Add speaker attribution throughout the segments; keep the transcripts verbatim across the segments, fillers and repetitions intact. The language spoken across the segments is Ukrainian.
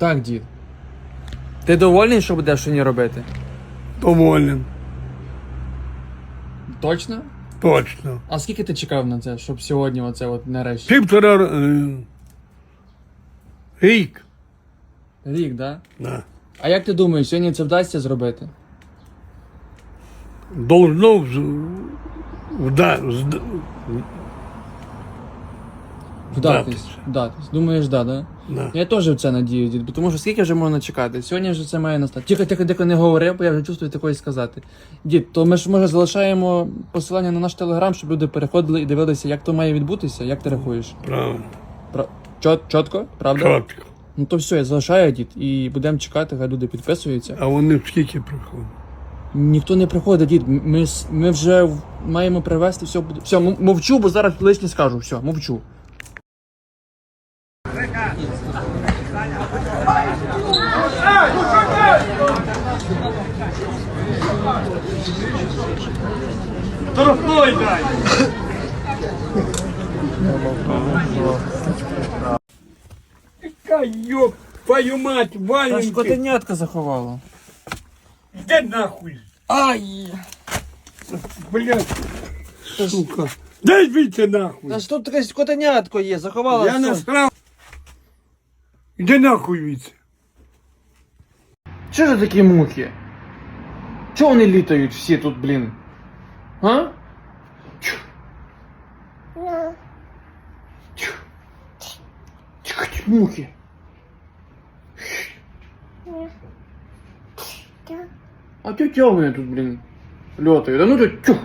Speaker 1: Так, дід. Ти довольний, що будеш сьогодні робити?
Speaker 2: Доволен.
Speaker 1: Точно?
Speaker 2: Точно.
Speaker 1: А скільки ти чекав на це, щоб сьогодні оце от нарешті?
Speaker 2: Півтора е, рік.
Speaker 1: Рік, да?
Speaker 2: Да.
Speaker 1: А як ти думаєш, сьогодні це вдасться зробити?
Speaker 2: Должно вз- вда, зд-
Speaker 1: Вдатись.
Speaker 2: Вдатись.
Speaker 1: Вдатись. Думаєш, да, да?
Speaker 2: да.
Speaker 1: Я теж в це надію, дід, бо тому що скільки вже можна чекати? Сьогодні вже це має настати. Тихо, тихо, тихо, не говори, бо я вже чувствую такої сказати. Дід, то ми ж може залишаємо посилання на наш телеграм, щоб люди переходили і дивилися, як то має відбутися, як ти рахуєш?
Speaker 2: Правильно.
Speaker 1: Пра... Чот, чотко? Правда?
Speaker 2: Чітко.
Speaker 1: Ну то все, я залишаю, дід, і будемо чекати, хай люди підписуються.
Speaker 2: А вони скільки приходять?
Speaker 1: Ніхто не приходить, дід. Ми, с- ми вже в- маємо привезти, все буде. Все, м- мовчу, бо зараз лишнє скажу. Все, мовчу.
Speaker 2: Дорогой дай! Яка ёб твою мать,
Speaker 1: Та ж
Speaker 2: Валеньки!
Speaker 1: котенятка заховала.
Speaker 2: Де нахуй?
Speaker 1: Ай!
Speaker 2: Блядь, сука. Дай звідси нахуй.
Speaker 1: Та ж тут якесь котенятко є, заховала.
Speaker 2: Я
Speaker 1: все.
Speaker 2: насрав. Іди нахуй звідси.
Speaker 1: Що ж такі мухи? Чого вони літають всі тут, блін? А? Чу. Чу. Чу, чу, мухи. А чого чого вони тут, блін, льотають? А ну тут чух.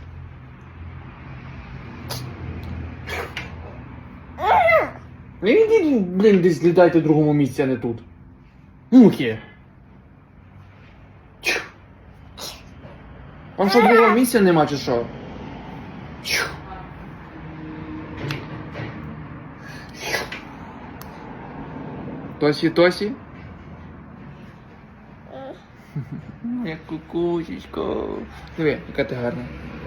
Speaker 1: Ідіть, блін, десь літайте в другому місці, а не тут. Мухи. Чу. Вам що, другого місця нема, чи що? Чу. Тосі, Тосі? Як кукусечко. Диви, яка ти гарна.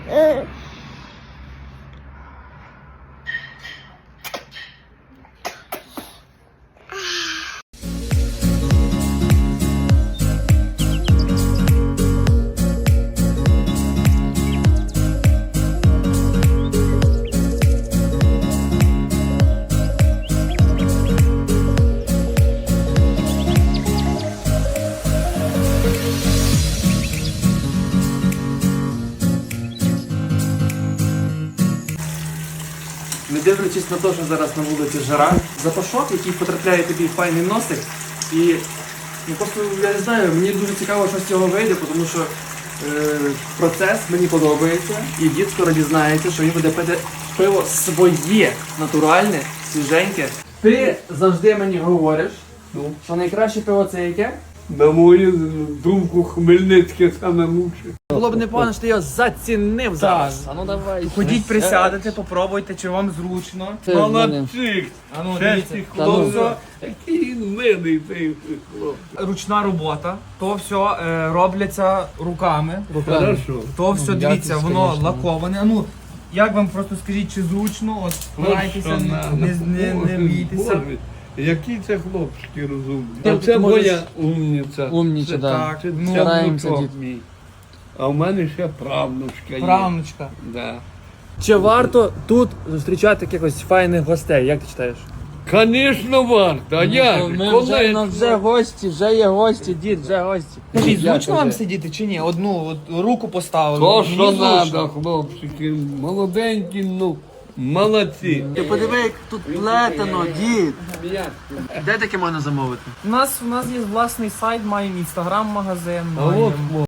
Speaker 1: Не дивлячись на те, що зараз на вулиці жара, запашок, який потрапляє тобі в файний носик. І ну, просто я не знаю, мені дуже цікаво, що з цього вийде, тому що е, процес мені подобається. І дід скоро дізнається, що він буде пити пиво своє, натуральне, свіженьке. Ти завжди мені говориш,
Speaker 2: Ну.
Speaker 1: що найкраще пиво це яке?
Speaker 2: На мою думку, Хмельницьке саме лучше.
Speaker 1: Було б непогано, що ти його зацінив зараз. А ну давай.
Speaker 3: Ходіть, присядете, попробуйте, чи вам зручно.
Speaker 1: Це в мене.
Speaker 2: Молодчик!
Speaker 3: А ну,
Speaker 2: Чесний
Speaker 3: дивіться.
Speaker 1: Та ну.
Speaker 2: хлопець. Який він милий цей хлопець.
Speaker 3: Ручна робота, то все е, робляться руками.
Speaker 2: Хорошо.
Speaker 3: То все,
Speaker 1: Ну,
Speaker 3: дивіться,
Speaker 1: якість,
Speaker 3: воно
Speaker 1: конечно.
Speaker 3: лаковане. А ну, як вам просто скажіть, чи зручно, от старайтеся,
Speaker 2: Що
Speaker 3: не,
Speaker 2: надо.
Speaker 3: не, не, не
Speaker 2: Боже,
Speaker 3: бійтеся.
Speaker 2: Боже, які це хлопчики розумні.
Speaker 1: Ти-
Speaker 2: Оце
Speaker 1: ти можеш-
Speaker 2: моя умниця.
Speaker 1: Умніча,
Speaker 2: Це
Speaker 1: да.
Speaker 2: так, це
Speaker 3: Ну,
Speaker 1: стараємося,
Speaker 2: внучок
Speaker 1: дід.
Speaker 2: мій. А в мене ще правнучка є.
Speaker 3: Правнучка.
Speaker 2: Да.
Speaker 1: Чи варто тут зустрічати якихось файних гостей? Як ти читаєш?
Speaker 2: Конечно варто, а як? же?
Speaker 1: Ми
Speaker 2: Коли
Speaker 1: вже, ну, вже гості, вже є гості, дід, вже гості.
Speaker 3: Скажіть,
Speaker 1: Як
Speaker 3: зручно вам
Speaker 1: вже?
Speaker 3: сидіти чи ні? Одну от, руку поставили.
Speaker 2: То,
Speaker 3: Мені
Speaker 2: що
Speaker 3: зручно.
Speaker 2: треба, хлопчики, молоденькі, ну, молодці.
Speaker 1: Ти подиви, як тут плетено, дід. Де таке можна замовити?
Speaker 3: У нас, у нас є власний сайт, маємо інстаграм-магазин,
Speaker 2: А от,
Speaker 3: маємо...
Speaker 2: хлопці.